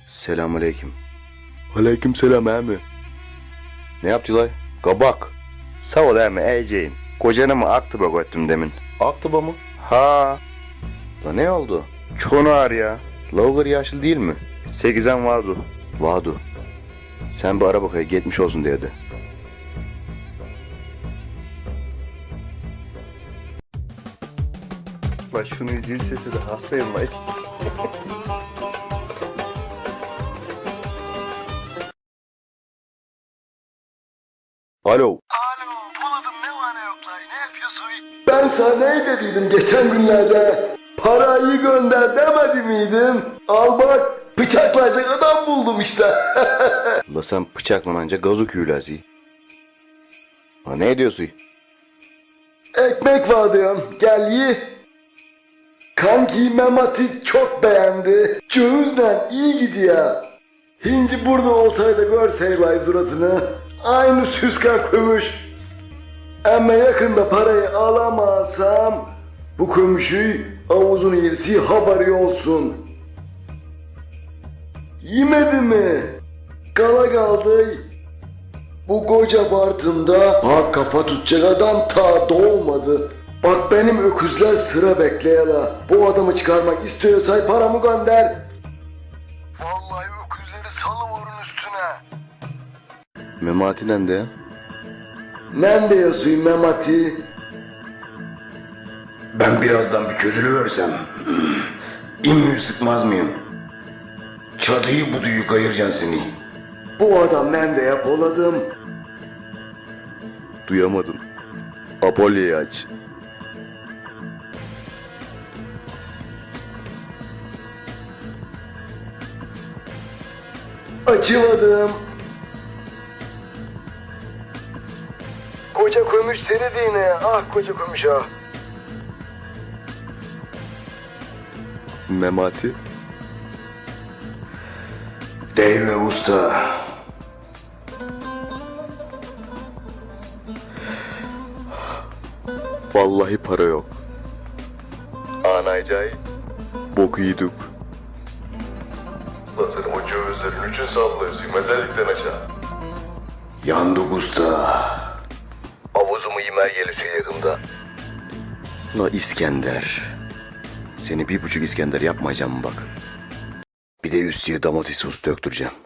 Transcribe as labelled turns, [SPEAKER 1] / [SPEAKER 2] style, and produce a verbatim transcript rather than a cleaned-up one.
[SPEAKER 1] Selamünaleyküm. Aleykümselam emi. Ne yaptılar? Kabak. Sağ ol emi eceğin. Kocana mı Aktıba götürdüm demin. Aktıba mı? Ha. La ne oldu? Çoğunu ağır ya. Logar yaşlı değil mi? Sekizen vardı. Vardı. Sen bir ara bakaya gitmiş olsun dedi. Bak şunu zil sesi de hastayım bak. Alo.
[SPEAKER 2] Alo, buladım ne var ne yok lan, ne yapıyorsun? Ben sana ne dediydim geçen günlerde? Parayı gönder demedi miydim? Al bak, bıçaklayacak adam buldum işte.
[SPEAKER 1] La sen bıçaklanınca gazı küyülezi. Ha ne ediyorsun?
[SPEAKER 2] Ekmek var diyorum, gel ye. Kanki Memati çok beğendi. Cüzden iyi gidiyor. Hinci burada olsaydı görseydi suratını. Aynı süska kömüş. Ama yakında parayı alamazsam bu kömüşü avuzun yerisi haberi olsun. Yemedi mi? Kala kaldı. Bu koca Bartın'da bak kafa tutacak adam ta doğmadı. Bak benim öküzler sıra bekleyela. Bu adamı çıkarmak istiyorsan paramı gönder. Vallahi öküzleri salıvurun üstüne.
[SPEAKER 1] Memati nerede?
[SPEAKER 2] Nerede yazıyor Memati?
[SPEAKER 3] Ben birazdan bir çözülüversem İmmüyü sıkmaz mıyım? Çatıyı buduyu kayıracaksın seni.
[SPEAKER 2] Bu adam nerede yapoladım?
[SPEAKER 1] Duyamadım. Apollo'yu aç.
[SPEAKER 2] Açıladım. Koca kömüş serediğine, ah koca kömüş ah.
[SPEAKER 1] Memati.
[SPEAKER 3] Deyve usta.
[SPEAKER 1] Vallahi para yok. Anaycay. Boku yedik.
[SPEAKER 2] Lan sen o cövizlerin üçün sallıyorsun mezellikten aşağı.
[SPEAKER 3] Yandık usta.
[SPEAKER 2] Avuzumu yemeğe geliyorsun yakında.
[SPEAKER 1] La İskender. Seni bir buçuk İskender yapmayacağım bak. Bir de üstüne domates sos döktüreceğim.